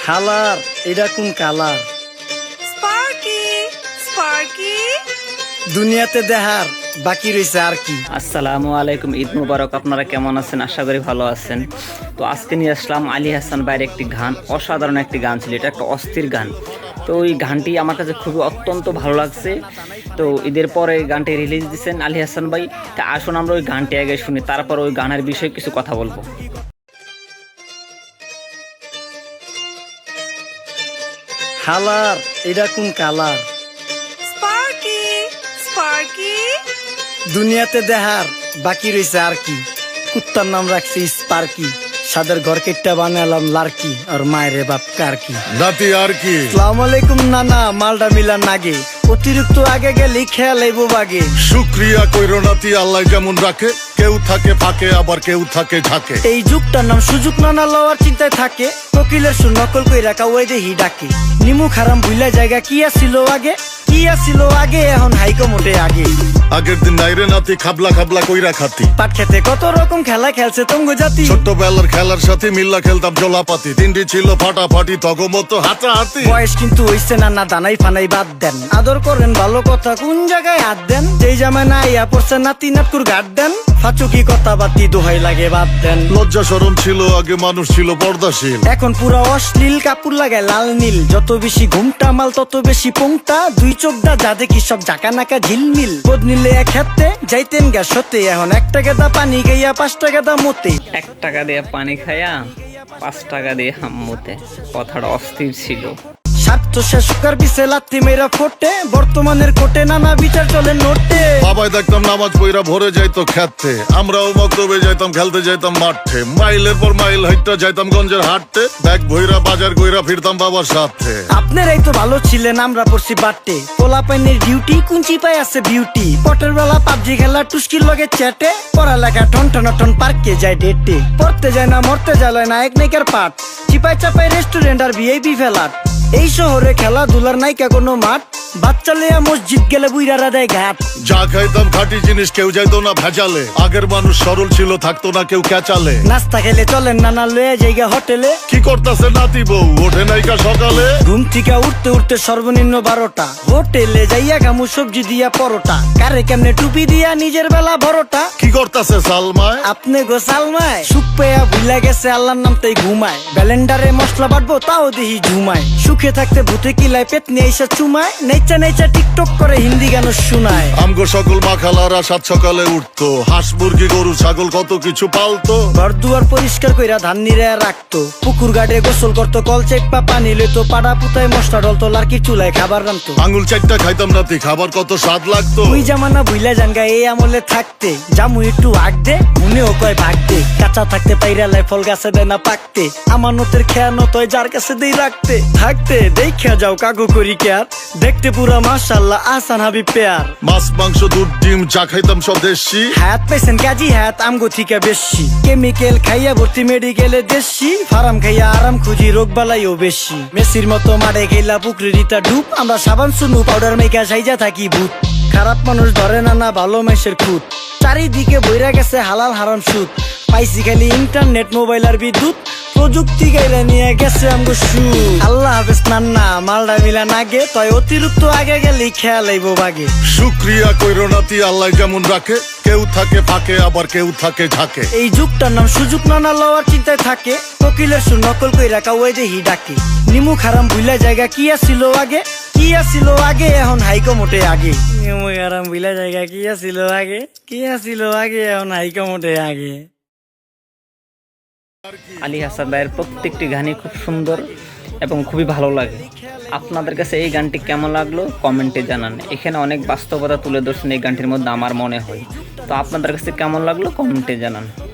হালার এটা কোন কালার? স্পার্কি স্পার্কি দুনিয়াতে দেখার বাকি রয়েছে আর কি। আসসালামু আলাইকুম, ঈদ মুবারক। আপনারা কেমন আছেন? আশা করি ভালো আছেন। তো আজকে নিয়ে আসলাম আলী হাসান ভাইয়ের একটি গান, অসাধারণ একটি গান ছিল। এটা একটা অস্থির গান। তো ওই গানটি আমার কাছে খুবই অত্যন্ত ভালো লাগছে। তো ঈদের পরে গানটি রিলিজ দিচ্ছেন আলী হাসান ভাই। তা আসুন আমরা ওই গানটি আগে শুনি, তারপর ওই গানের বিষয়ে কিছু কথা বলবো। হালার এটা কোন কালার? স্পার্কি স্পার্কি দুনিয়াতে দেখার বাকি রয়েছে আর কি। কুত্তার নাম রাখছি স্পার্কি, সাদের ঘর কেটটা বানালাম লার্কি, আর মায়ের বাপ কারকি নাতি আর কি। আসসালামু আলাইকুম নানা, মালডা মিলা নাগে, অতিরিক্ত আগে গেলে খেয়াল আইব বাগে। শুক্রিয়া কইরো নাতি, আল্লাহ যেমন রাখে, কেউ থাকে ফাঁকে আবার কেউ থাকে ঝাঁকে। এই যুগটার নাম সুযোগ নানা লওয়ার চিন্তায় থাকে, কোকিলের সুর নকল কই রাখা ওই দেহি ডাকে। নিমু খারাম ভুলা জায়গা কি আসিল আগে, কি আসিল আগে, এখন হাইকো মোটে আগে। আগের দিন নাইরে নাতি খাবলা খাবলা কইরা খাতি, পাট খেতে কত রকম খেলা খেলছে তঙ্গ জাতি। ছোট্টবেলার খেলার সাথে মিল্লা খেলতাম জলাপাতি, তিনটি ছিল ফাটাফাটি তগমতো হাতাহাতি। বয়স কিন্তু হইছে না দানাই ফানাই বাদ দেন, আদর করেন ভালো কথা কোন জায়গায় হাত দেন। যেই জামায় না ইয়া পড়ছে নাতি নাটকুর গাট দেন, ফাচুকি কথা বাতি দোহাই লাগে বাদ দেন। লজ্জা শরম ছিল আগে, মানুষ ছিল পর্দাশীল, এখন পুরো অশ্লীল কাপড় লাগায় লাল নীল। যত বেশি ঘুমটা মাল তত বেশি পোংটা, দুই চোখটা যা দেখি সব জাকা নাকা ঝিলমিল। বোধ নিলে এক হাতে যাইতেন গা সতে, এখন 1 টাকা দা পানি খাইয়া 5 টাকা দা মতে। 1 টাকা দিয়ে পানি খায়া 5 টাকা দিয়ে হাম্মুতে, কথাটা অস্থির ছিল। স্বার্থ শেষকার বিছে লাত্তি মেয়েরা ফোটে, বর্তমানের কোটে নানা বিচার চলে নোটে। বাবাই দেখতাম নামাজ পইরা ভরে যাইতো খেতে, আমরাও মক্তবে যাইতাম, খেলতে যাইতাম মাঠে। মাইলের পর মাইল হাইটটা যাইতাম গঞ্জের হাটতে, ব্যাগ ভইরা বাজার কইরা ফিরতাম বাবার সাথে। আপনারাই তো ভালো ছিলেন, আমরা পড়ছি বাটে। পোলা পাইনের ডিউটি কুঞ্চি পাই আছে বিউটি, পটের বেলা পাবজি খেলা টুস্কির লগে চ্যাটে। পড়ালেখা টন টন টন পার্কে যায় ডেটে, পড়তে যায় না মরতে যায় নায়ক নায়িকার পাঠ। চিপাই চাপাই রেস্টুরেন্ট আর ভিআইপি ফেলাট, এই শহরে খেলাধুলার নাইকা কোনো মাঠ। বাচ্চা লেয়া মসজিদ গেলে বুইরারা দেয় ঘাট। যা খাইতাম খাঁটি জিনিস, কেউ যাইতো না ভেজালে। আগের মানুষ সরল ছিল, থাকতো না কেউ ক্যাচালে। নাস্তা খেলে চলেন নানা লয়ে জায়গা হোটেলে। কি করতাছে নাতি বউ, ওঠে নাইকা সকালে। ঘুম থেকে উঠতে উঠতে সর্বনিম্ন 12টা, হোটেলে যাইয়া গামু সবজি দিয়া পরোটা। কারে কেমনে টুপি দিয়া নিজের বেলা বড়টা। কি করতাছে সালমায়, আপনি গো সালমায়, সুখ পেয়া ভুলা গেছে আল্লাহর নাম তাই ঘুমায়। ব্যালেন্ডারে মশলা বাটবো তাও দেহি ঝুমায়, সুখে থাকতে ভূতে কিলায় পেট নিয়ে এসে চুমায়। নেচা নেচা টিকটক করে হিন্দি গান শুনায়। আমগো সকল মাখালারা 7 সকালে উঠতো, হাঁস মুরগি গরু ছাগল কত কিছু পালতো। ঘর দুয়ার পরিষ্কার কইরা ধান নিরে রাখতো, পুকুর গাড়ে গোসল করতো, কল চেপা পানি লইতো, পাড়া পুতায় মশলা ডলতো, লার্কির চুলায় খাবার রান্তো। আঙুল 4টা খাইতাম নাতি, খাবার কত স্বাদ লাগতো। ওই জামানা ভুইলা জানগা এই আমলে থাকতে, জামু একটু আগ দে মনেও কয় ভাগ দে। কাঁচা থাকতে পাইরা লাই ফল গাছে দেয় না পাকতে, আমানতের খেয়ানত হয় যার কাছে দেই রাখতে। থাকতে দেখা যাও কাগু করি কেয়ার, দেখতে পুরা মাশাআল্লাহ আহসান হাবিব পেয়ার। মাছ মাংস দুধ ডিম যা খাইতাম সব দেশি, হাত পেছেন কাজী হাত আমগো থিকা বেশি। কেমিক্যাল খাইয়া ভর্তি মেডিকেলে দেশি, ফার্ম খাইয়া আরাম খুঁজি রোগ বালাইও বেশি। মেসির মতো মারে গেলা পুকুরে রিতা ডুব, আমরা সাবান সুনু পাউডার মেকা সাইজা থাকি ভূত। খারাপ মানুষ ধরে না ভালো মেসের খুঁত, চারিদিকে বইরা গেছে হালাল হারাম সুদ। পাইছি খালি ইন্টারনেট মোবাইল আর বিদ্যুৎ, প্রযুক্তি গাইরা নিয়ে গেছে আমগো সু। আল্লাহ হাফেজ নান্না, মালডা মিলা নাগে, তয় অতিরিক্ত আগে গেলে খেয়াল আইব বাগে। শুক্রিয়া কইরো নাতি, আল্লাহ যেমন রাখে, কেউ থাকে ফাঁকে আবার কেউ থাকে ঝাঁকে। এই যুগটার নাম সুযোগ নানা লওয়ার চিন্তায় থাকে, কোকিলের সুর নকল কই রাখা ওই দেহি ডাকে। নিমু খারাম ভুলা জায়গা কি আসিল আগে, কি আসিল আগে, এখন হাইকো মোটে আগে। নিমু খারাম ভুলা জায়গা কি আসিল আগে, কি আসিল আগে, এখন হাইকো মোটে আগে। আলী হাসান ভাইয়ের প্রত্যেকটি গানই খুব সুন্দর এবং খুবই ভালো লাগে। আপনাদের কাছে এই গানটি কেমন লাগলো কমেন্টে জানান। এখানে অনেক বাস্তবতা তুলে ধরছেন এই গানটির মধ্যে আমার মনে হয়। তো আপনাদের কাছে কেমন লাগলো কমেন্টে জানান।